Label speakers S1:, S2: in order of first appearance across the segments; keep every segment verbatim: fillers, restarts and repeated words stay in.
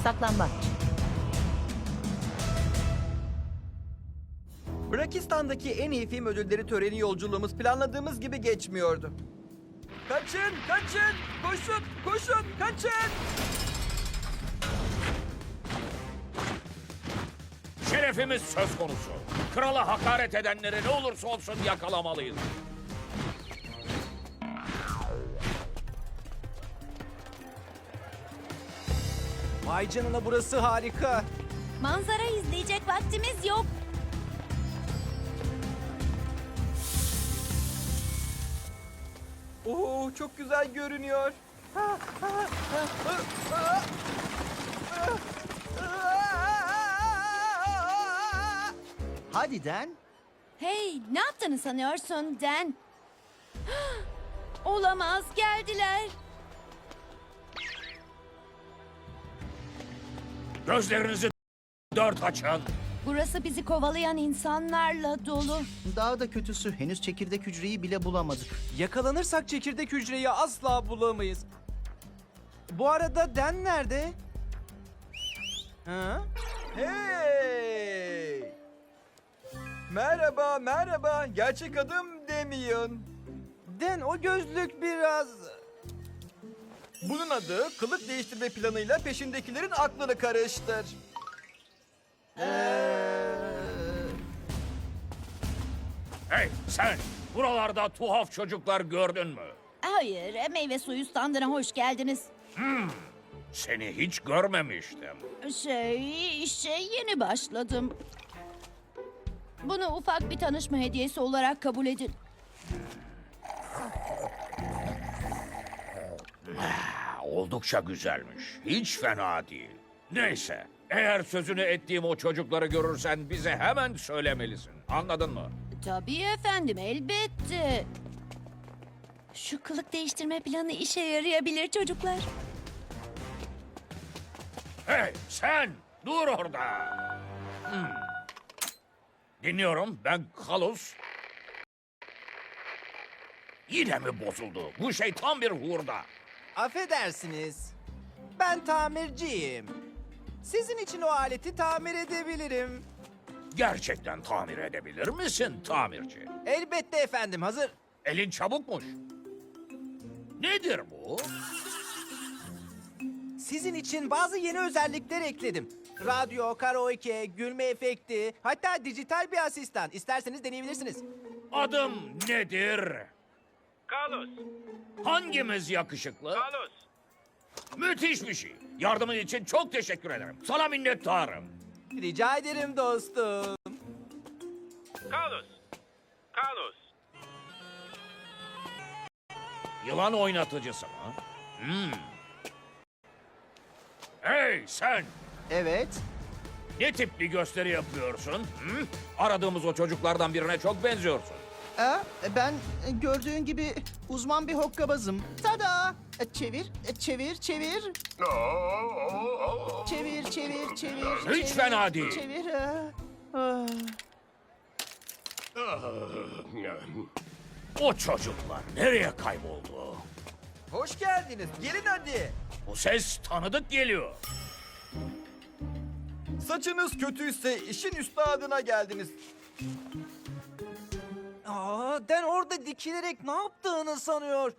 S1: Saklanmaç.
S2: Brakistan'daki en iyi film ödülleri töreni yolculuğumuz planladığımız gibi geçmiyordu. Kaçın, kaçın, koşun, koşun, kaçın.
S3: Şerefimiz söz konusu. Krala hakaret edenleri ne olursa olsun yakalamalıyız.
S4: Vay canına, burası harika.
S5: Manzara izleyecek vaktimiz yok.
S2: Oo, çok güzel görünüyor.
S6: Hadi Den.
S5: Hey, ne yaptığını sanıyorsun Dan? Olamaz, geldiler.
S3: Gözlerinizi dört açın.
S5: Burası bizi kovalayan insanlarla dolu.
S6: Daha da kötüsü, henüz çekirdek hücreyi bile bulamadık.
S4: Yakalanırsak çekirdek hücreyi asla bulamayız. Bu arada Den nerede? Ha?
S2: Hey! Merhaba, merhaba. Gerçek adım Demian.
S4: Den, o gözlük biraz...
S2: Bunun adı kılık değiştirme planıyla peşindekilerin aklını karıştır.
S3: Hey sen, buralarda tuhaf çocuklar gördün mü?
S5: Hayır, meyve suyu standına hoş geldiniz.
S3: Seni hiç görmemiştim.
S5: Şey, işe yeni başladım. Bunu ufak bir tanışma hediyesi olarak kabul edin.
S3: Ha, oldukça güzelmiş. Hiç fena değil. Neyse, eğer sözünü ettiğim o çocukları görürsen bize hemen söylemelisin. Anladın mı?
S5: Tabii efendim, elbette. Şu kılık değiştirme planı işe yarayabilir çocuklar.
S3: Hey sen, dur orada. Hmm. Dinliyorum, ben Kalus. Yine mi bozuldu? Bu şey tam bir hurda.
S4: Affedersiniz. Ben tamirciyim. Sizin için o aleti tamir edebilirim.
S3: Gerçekten tamir edebilir misin tamirci?
S4: Elbette efendim, hazır.
S3: Elin çabukmuş. Nedir bu?
S4: Sizin için bazı yeni özellikler ekledim. Radyo, karaoke, gülme efekti, hatta dijital bir asistan. İsterseniz deneyebilirsiniz.
S3: Adım nedir?
S7: Carlos,
S3: Hangimiz yakışıklı?
S7: Carlos,
S3: Müthiş bir şey. Yardımın için çok teşekkür ederim. Sana minnettarım.
S4: Rica ederim dostum.
S7: Carlos, Carlos.
S3: Yılan oynatıcısı mı? Hmm. Hey sen!
S6: Evet.
S3: Ne tip bir gösteri yapıyorsun? Hı? Aradığımız o çocuklardan birine çok benziyorsun.
S6: Ee, ben e, gördüğün gibi uzman bir hokkabazım. Tada! E, Çevir, e, çevir, çevir. Çevir, çevir, çevir.
S3: Hiç
S6: çevir,
S3: fena değil.
S6: Çevir. ah, ah.
S3: O çocuklar nereye kayboldu?
S2: Hoş geldiniz. Gelin hadi.
S3: Bu ses tanıdık geliyor.
S2: Saçınız kötüyse işin üstadına geldiniz.
S4: Aa, Den orada dikilerek ne yaptığını sanıyor.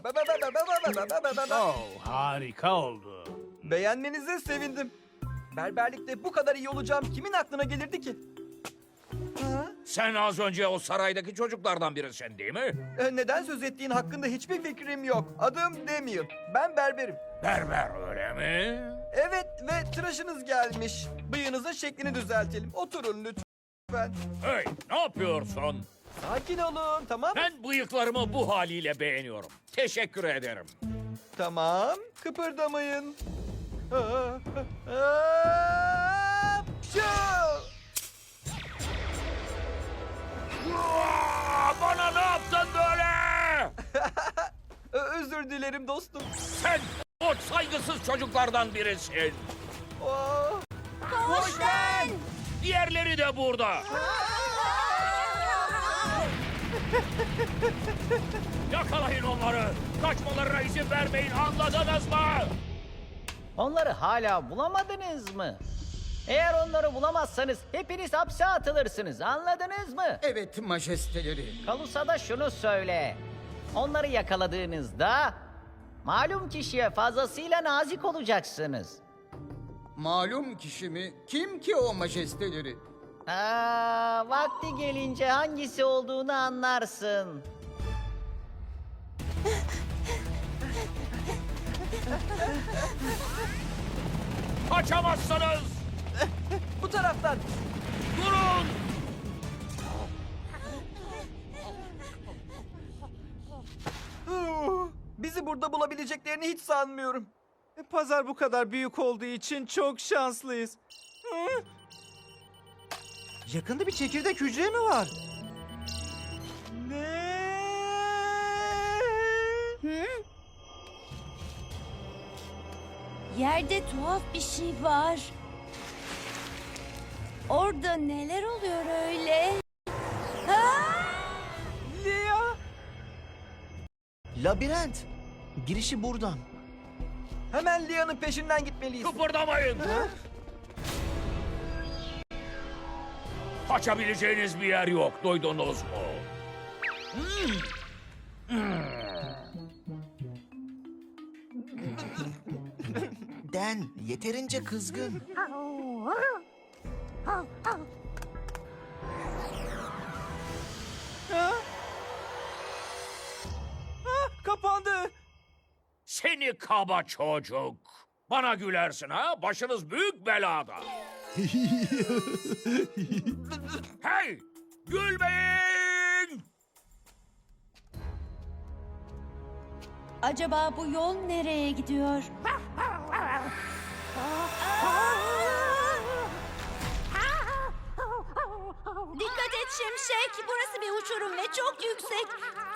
S8: Oh, harika oldu.
S2: Beğenmenize sevindim. Berberlikte bu kadar iyi olacağım kimin aklına gelirdi ki? Ha?
S3: Sen az önce o saraydaki çocuklardan birisin değil mi?
S2: Ee, Neden söz ettiğin hakkında hiçbir fikrim yok. Adım Demian. Ben berberim.
S3: Berber öyle mi?
S2: Evet ve tıraşınız gelmiş. Bıyığınızın şeklini düzeltelim. Oturun lütfen.
S3: Hey ne yapıyorsun?
S2: Sakin olun, tamam mı?
S3: Ben bıyıklarımı bu haliyle beğeniyorum. Teşekkür ederim.
S2: Tamam, kıpırdamayın. Hapşu!
S3: Aa, bana ne yaptın böyle?
S2: Ö- Özür dilerim dostum.
S3: Sen o saygısız çocuklardan birisin.
S2: Oh.
S5: Hoş Ben!
S3: Diğerleri de burada. Yakalayın onları. Kaçmalarına izin vermeyin, anladınız mı?
S1: Onları hala bulamadınız mı? Eğer onları bulamazsanız hepiniz hapse atılırsınız. Anladınız mı?
S9: Evet majesteleri.
S1: Kalus'a da şunu söyle. Onları yakaladığınızda malum kişiye fazlasıyla nazik olacaksınız.
S9: Malum kişi mi? Kim ki o majesteleri?
S1: Aa, vakti gelince hangisi olduğunu anlarsın.
S3: Kaçamazsınız!
S2: Bu taraftan.
S3: Durun!
S2: Huu, Bizi burada bulabileceklerini hiç sanmıyorum.
S4: E, Pazar bu kadar büyük olduğu için çok şanslıyız. Hı? Yakında bir çekirdek hücre mi var? Ne?
S5: Hı? Yerde tuhaf bir şey var. Orada neler oluyor öyle? Ha?
S4: Lia!
S6: Labirent. Girişi buradan.
S2: Hemen Lia'nın peşinden gitmeliyiz.
S3: Kıpırdamayın! Kaçabileceğiniz bir yer yok, duydunuz mu?
S6: Den yeterince kızgın.
S4: Kapandı.
S3: Seni kaba çocuk! Bana gülersin ha? Başınız büyük belada. Hey! Gülmeyin!
S5: Acaba bu yol nereye gidiyor? Dikkat et Şimşek. Burası bir uçurum ve çok yüksek.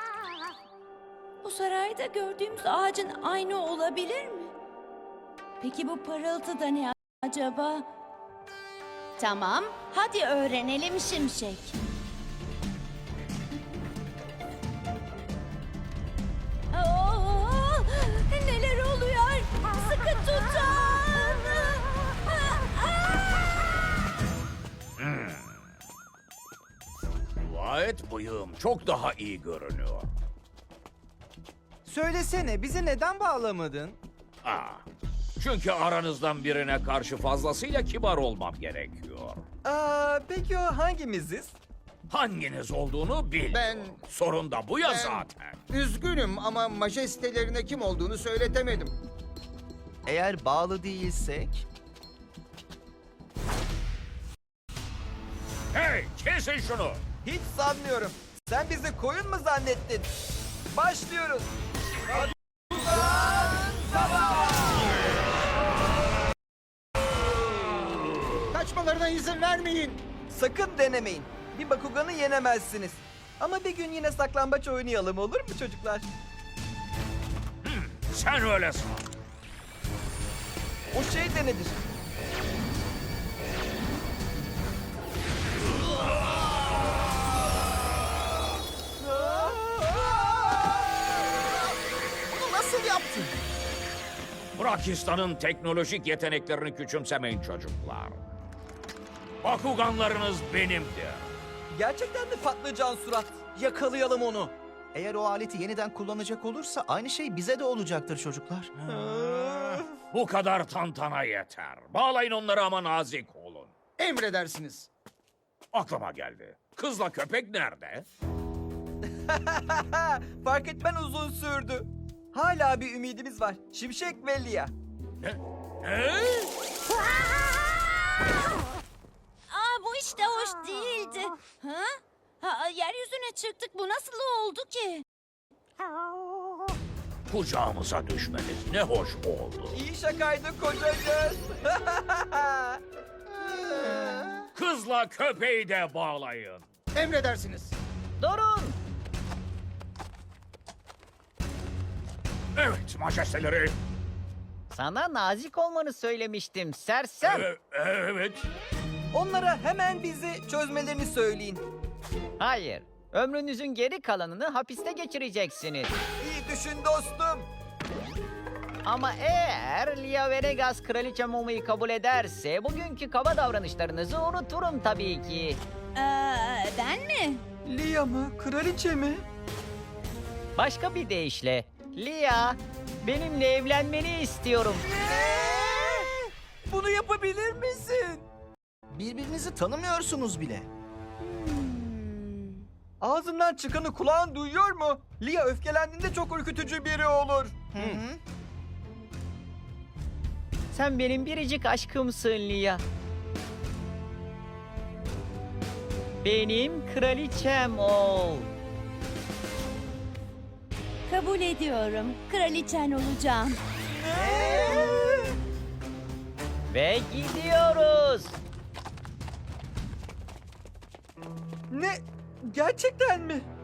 S5: Bu sarayda gördüğümüz ağacın aynı olabilir mi? Peki bu parıltı da ne acaba? Tamam, hadi öğrenelim Şimşek. Oo, neler oluyor? Sıkı tutun.
S3: Dua et bıyığım çok daha iyi görünüyor.
S4: Söylesene bizi neden bağlamadın?
S3: Aa, çünkü aranızdan birine karşı fazlasıyla kibar olmam gerekiyor.
S2: Aa, peki o hangimiziz?
S3: Hanginiz olduğunu bil.
S9: Ben-
S3: Sorun da bu ya
S9: Ben-
S3: zaten.
S9: Üzgünüm ama majestelerine kim olduğunu söyletemedim.
S6: Eğer bağlı değilsek...
S3: Hey, kesin şunu.
S2: Hiç sanmıyorum. Sen bizi koyun mu zannettin? Başlıyoruz.
S9: Kaçmalarına izin vermeyin.
S2: Sakın denemeyin. Bir Bakugan'ı yenemezsiniz. Ama bir gün yine saklambaç oynayalım, olur mu çocuklar?
S3: Sen öyle san.
S2: O şey de nedir?
S6: Bunu nasıl yaptın?
S3: Brakistan'ın teknolojik yeteneklerini küçümsemeyin çocuklar. Bakuganlarınız benimdir.
S2: Gerçekten de patlıcan surat.
S4: Yakalayalım onu.
S6: Eğer o aleti yeniden kullanacak olursa aynı şey bize de olacaktır çocuklar.
S3: Bu kadar tantana yeter. Bağlayın onları ama nazik olun.
S9: Emredersiniz.
S3: Aklıma geldi. Kızla köpek nerede?
S2: Fark etmen uzun sürdü. Hala bir ümidimiz var. Şimşek ve Lia.
S3: Ne? Ne?
S5: Aa, bu işte hoş değildi. Ha? Ha, yeryüzüne çıktık. Bu nasıl oldu ki?
S3: Kucağımıza düşmeniz ne hoş oldu.
S2: İyi şakaydı kocacığız.
S3: Kızla köpeği de bağlayın.
S9: Emredersiniz.
S1: Durun!
S3: Evet majesteleri.
S1: Sana nazik olmanı söylemiştim sersem.
S3: Ee, evet.
S2: Onlara hemen bizi çözmelerini söyleyin.
S1: Hayır. Ömrünüzün geri kalanını hapiste geçireceksiniz.
S2: İyi düşün dostum.
S1: Ama eğer Lia Venegas kraliçe Momo'yu kabul ederse bugünkü kaba davranışlarınızı unuturum tabii ki.
S5: Aa, ben mi?
S2: Lia mı? Kraliçe mi?
S1: Başka bir deyişle, Lia, benimle evlenmeni istiyorum.
S2: Bunu yapabilir misin?
S6: Birbirinizi tanımıyorsunuz bile.
S2: Ağzından çıkanı kulağın duyuyor mu? Lia öfkelendiğinde çok ürkütücü biri olur.
S6: Hı hı.
S1: Sen benim biricik aşkımsın Lia. Benim kraliçem ol.
S5: Kabul ediyorum. Kraliçen olacağım.
S1: Ve gidiyoruz.
S2: Ne? Gerçekten mi?